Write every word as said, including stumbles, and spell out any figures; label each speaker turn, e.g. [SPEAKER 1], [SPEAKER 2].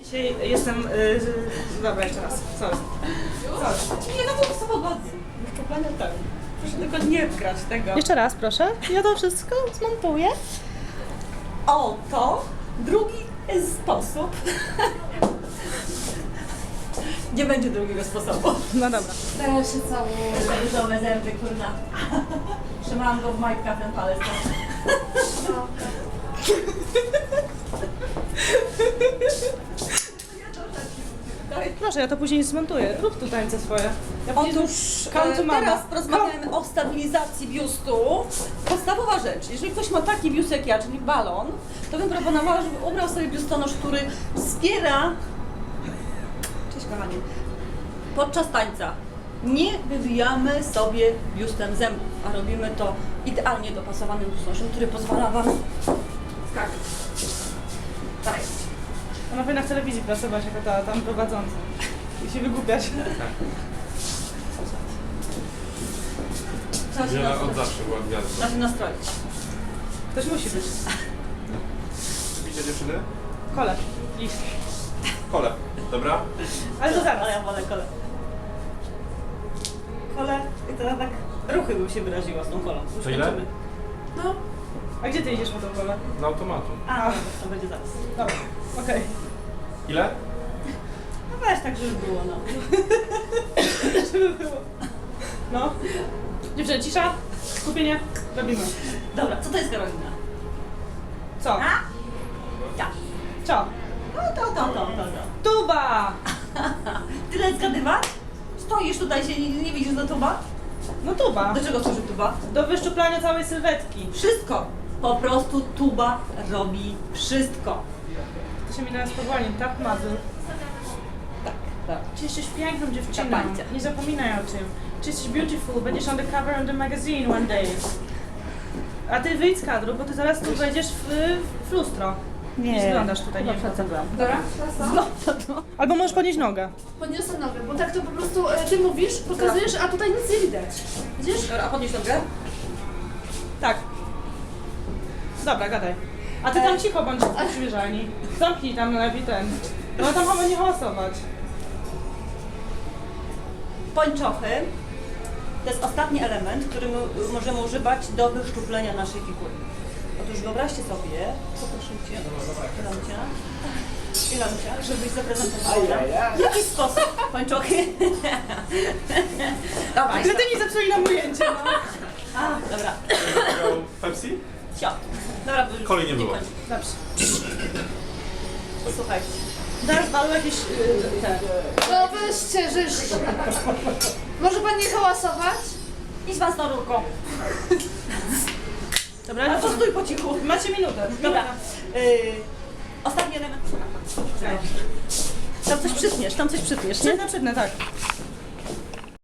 [SPEAKER 1] Dzisiaj jestem... Yy, dobra, jeszcze raz. Sorry. Sorry. Nie, no bo są pogodnie. Wyszczuplanie tak. Proszę tylko nie grać tego.
[SPEAKER 2] Jeszcze raz, proszę. Ja to wszystko zmontuję.
[SPEAKER 1] Oto drugi sposób. Nie będzie drugiego sposobu.
[SPEAKER 2] No dobra.
[SPEAKER 3] Teraz się całuję.
[SPEAKER 1] Różowe zęby, kurna. Trzymałam go w majtkach ten palec.
[SPEAKER 2] Proszę, ja to później zmontuję. Rób tu tańce swoje. Ja później
[SPEAKER 1] Otóż
[SPEAKER 2] come to
[SPEAKER 1] e,
[SPEAKER 2] mama.
[SPEAKER 1] teraz porozmawiamy o stabilizacji biustu. Podstawowa rzecz, jeżeli ktoś ma taki biust jak ja, czyli balon, to bym proponowała, żeby ubrał sobie biustonosz, który wspiera... Cześć kochani. Podczas tańca nie wybijamy sobie biustem zębów, a robimy to idealnie dopasowanym biustonoszem, który pozwala Wam skakać. Tak.
[SPEAKER 2] Ona powinna w telewizji pracować jako ta tam prowadząca. I się wygłupiać.
[SPEAKER 1] Trzeba się
[SPEAKER 4] Wiele od
[SPEAKER 1] nastroić.
[SPEAKER 4] zawsze była gwiazdą.
[SPEAKER 1] Trzeba się nastroić.
[SPEAKER 2] Ktoś musi być.
[SPEAKER 4] Lubicie dziewczyny?
[SPEAKER 2] Kole. Liść.
[SPEAKER 4] Kole, dobra?
[SPEAKER 2] Ale to zaraz.
[SPEAKER 1] Ale ja wolę kolę. Kole i teraz tak ruchy bym się wyraziła z tą kolą. Już
[SPEAKER 4] To ile?
[SPEAKER 1] kończymy.
[SPEAKER 2] No. A gdzie ty idziesz po tą kolę?
[SPEAKER 4] Na automatu.
[SPEAKER 1] A, to będzie zaraz.
[SPEAKER 2] Dobra. Okej.
[SPEAKER 4] Ile?
[SPEAKER 1] No weź tak, żeby było, no.
[SPEAKER 2] Żeby było. No. Dziewczyny, cisza. Skupienie. Robimy.
[SPEAKER 1] Dobra, co to jest Karolina?
[SPEAKER 2] Co?
[SPEAKER 1] A? Ja.
[SPEAKER 2] Co?
[SPEAKER 1] No to, to, to, to, to.
[SPEAKER 2] Tuba!
[SPEAKER 1] Tyle zgadywać? Stoisz tutaj, się nie, nie widzisz do tuba?
[SPEAKER 2] No tuba.
[SPEAKER 1] Do czego służy tuba?
[SPEAKER 2] Do wyszczuplania całej sylwetki.
[SPEAKER 1] Wszystko. Po prostu tuba robi wszystko.
[SPEAKER 2] To się mi teraz powoli. Tap mazur.
[SPEAKER 1] Tak, tak.
[SPEAKER 2] Czy jesteś piękną dziewczyną?
[SPEAKER 1] Kapańcie.
[SPEAKER 2] Nie zapominaj o tym. Czy jesteś beautiful? Będziesz on the cover of the magazine one day. A ty wyjdź z kadru, bo ty zaraz tu wejdziesz w, w lustro. Nie wyglądasz tutaj, nie wiem.
[SPEAKER 3] Dobra, teraz to.
[SPEAKER 2] Albo możesz podnieść nogę.
[SPEAKER 3] Podniosę nogę, bo tak to po prostu e, ty mówisz, pokazujesz, a tutaj nic nie widać. Widzisz?
[SPEAKER 1] Dobra, a podnieś nogę.
[SPEAKER 2] Tak. Dobra, gadaj. A ty tam cicho bądź w przymierzalni. Zamknij tam lepiej ten. No tam chyba nie hałasować.
[SPEAKER 1] Pończochy to jest ostatni element, który my możemy używać do wyszczuplenia naszej figury. Otóż wyobraźcie sobie, poproszę Cię, Ilancia, Ilancia, żebyś zaprezentowała w jaki sposób pończochy. Dobra,
[SPEAKER 2] Tyle ty mi zepsuli nam ujęcie, no.
[SPEAKER 1] A, dobra,
[SPEAKER 4] Miał Pepsi?
[SPEAKER 1] sio. Dobra, bo już
[SPEAKER 4] Kolej nie było.
[SPEAKER 1] kończy.
[SPEAKER 2] Dobrze.
[SPEAKER 1] Słuchajcie.
[SPEAKER 2] Teraz balu jakieś... Yy, te.
[SPEAKER 3] No weźcie, żeż. Może pan nie hałasować?
[SPEAKER 1] Idź Pan z tą rurką.
[SPEAKER 2] Dobra,
[SPEAKER 1] Ale to stój po cichu.
[SPEAKER 2] macie minutę.
[SPEAKER 1] Dobra. Yy, ostatni element. Tam coś przytniesz, tam coś przytniesz, nie?
[SPEAKER 2] Przytnę, przytnę, tak.